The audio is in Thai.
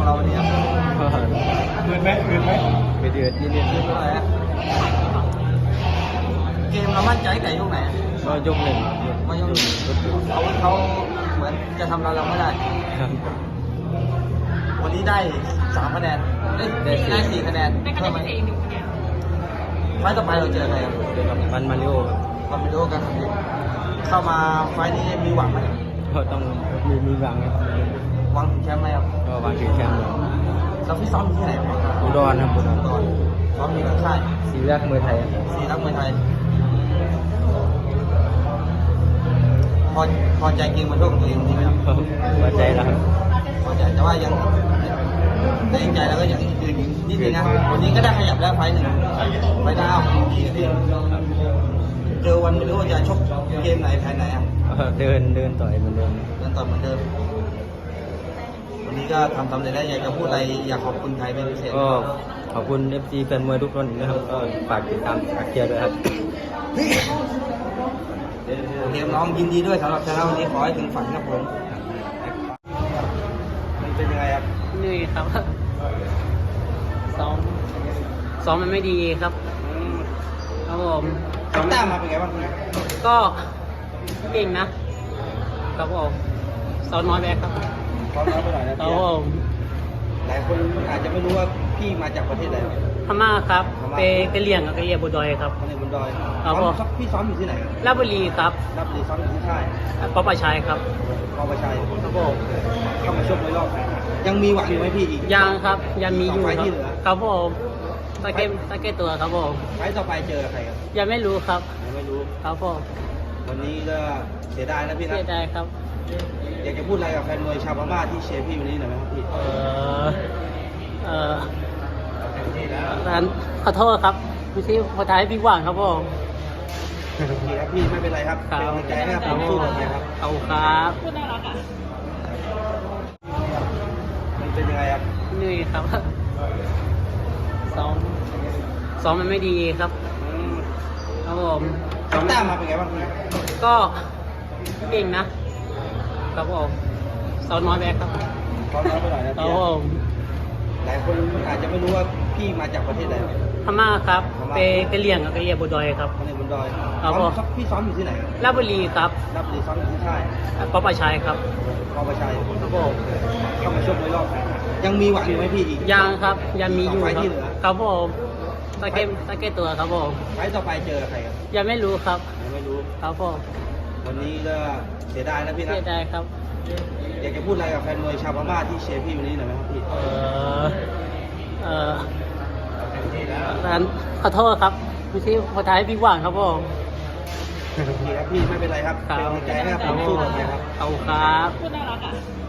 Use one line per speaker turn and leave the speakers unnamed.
เราวันนี้
เดือดไหม
ไปเดือดยืนเดือดขึ้นเท่าไหร่ฮะเกมเรามั่นใจแต่ยกไหน
ก็ยกหนึ่ง
มายกเขาเหมือนจะทำเราไม่ได้วันนี้ได้3 คะแนนได้4 คะแนนเพิ่มไหมไฟต่อไปเราเจอใครครับ
เจอกับวันมาริโอ
ความไม่รู้กันเข้ามาไฟนี้มีหวังไหม
ก็ต้องมีหวังครับ
หวังถึงแชมป์ไหมครับ
ก็หวังถึงแชมป์
เราพี่ซ้อมอยู่ที่ไหนครับ
อุดรครับอุดร
ซ้อมอยู่ที่ค่าย
ศรีรักมวยไทย
ศรีรักมวยไทยพอใจเกมมาโชคของตัวเองจริงไหมครับ
พอใจแล้วครับ
พอใจแต่ว่ายังในใจแล้วก็ยังยืนนิดนึงนะวันนี้ก็ได้ขยับแล้วไฟหนึ่งไฟดาวดีขึ้นเจอวันไม่รู้ว่าจะชกเกมไหนแพ้ไหนอ่ะ
เดินต่อยเหมือนเดิม
ต่อยเหมือนเดิมวันนี้ก็ทำสำเร็จแล้วอยากจะพูดอะไรอยากขอบคุณใครเป็นพิเศษ
ก็ขอบคุณ FC แฟนมวยทุกคนนะครับก็ฝากติดตามฝากเชียร์ด้วยครับ
โอเคน้องยินดีด้วยสำหรับชนะวันนี้ขอให้ถึงฝันครับผมมันเป็นยังไงครับ
เหนื่อยครับซ้อมมันไม่ดีครับครับผม
ซ้อมตามมาเป็นไงบ้าง
ก็เก่งนะครับผมซ้อมน้อยไปครับ
ซ้อมน้อยไปหน่อยนะครับ
ผม
หลายคนอาจจะไม่รู้ว่าพี่มาจากประเทศไหน
พม่าครับไปเลี้ยงกับเรียบุดอยครับ
เรียบุดอย
ครับผม
พี่ซ้อมอยู่ที่ไหน
ราชบุรีครับ
ราชบุรีซ้อมอยู่ที่ค่าย
ปปชัยครับ
ปปชัย
ครับผม
เข้ามาชกในรอบยังมีหวังอยู่ไหมพี่อีก
ยังครับยังมีอยู่ครับผมตะเก็ตัวครับผม
ไฟต่อไปเจอใครครับ
ยังไม่รู้ครับ
ยังไม่รู้
ครับผม
วันนี้ก็เสียดายนะพี่นะ
เสียดายครับ
อยากจะพูดอะไรกับแฟนมวยชาวพม่าที่เชียร์พี่วันนี้หน่อยไหมครับพี่
ขอโทษครับไม่ใช่พอท้ายพี่หวังครับผม
โอเคครับพี่ไม่เป็นไรครับเป็นกำลังใจให้ครับสู้ต่อไปครับ
เอาครับ
พูดน่ารักอ่ะมันเป็นยังไงครับ
เหนื่อยครับซ้อมมันไม่ดีครับครับผม
ซ้อมตามมาเป็นไงบ้าง
ก็เก่งนะครับผมซ้อมน้อยไปครับ
ซ้อมน้อยไปหน่อยนะครับ
ผม
หลายคนอาจจะไม่รู้ว่าพี่มาจากประเทศไหน
พม่าครับไปเลี้ยงกับเรียบุดอยครับ
เรียบุดอย
ครับผม
พี่ซ้อมอยู่ที่ไหน
ราชบุรีครับ
ราชบุรีซ้อมอยู่ที่ค่าย
ปปชัยครับ
ปปชัย
ครับผม
เข้ามาชกในรอบยังมีหวังอยู่ไหมพี่อีก
ยังครับยังมีอยู่ครับผมตะเก็ตัวครับผม
ไฟต่อไปเจอใครครับ
ยังไม่รู้ครับ
ยังไม่รู้
ครับผม
วันนี้ก็เสียดายนะพี่นะ
เสียดายครับ
อยากจะพูดอะไรกับแฟนมวยชาวพม่าที่เชียร์พี่วันนี้หน่อยไหมครับพี่
ขอโทษครับไม่ใช่พอท้ายพี่หวังครับผม
โอเคครับพี่ไม่เป็นไรครับเป็นกำลังใจให้ครับสู้ต่อไปครับ
เอาครับ
พูดน่ารักอ่ะ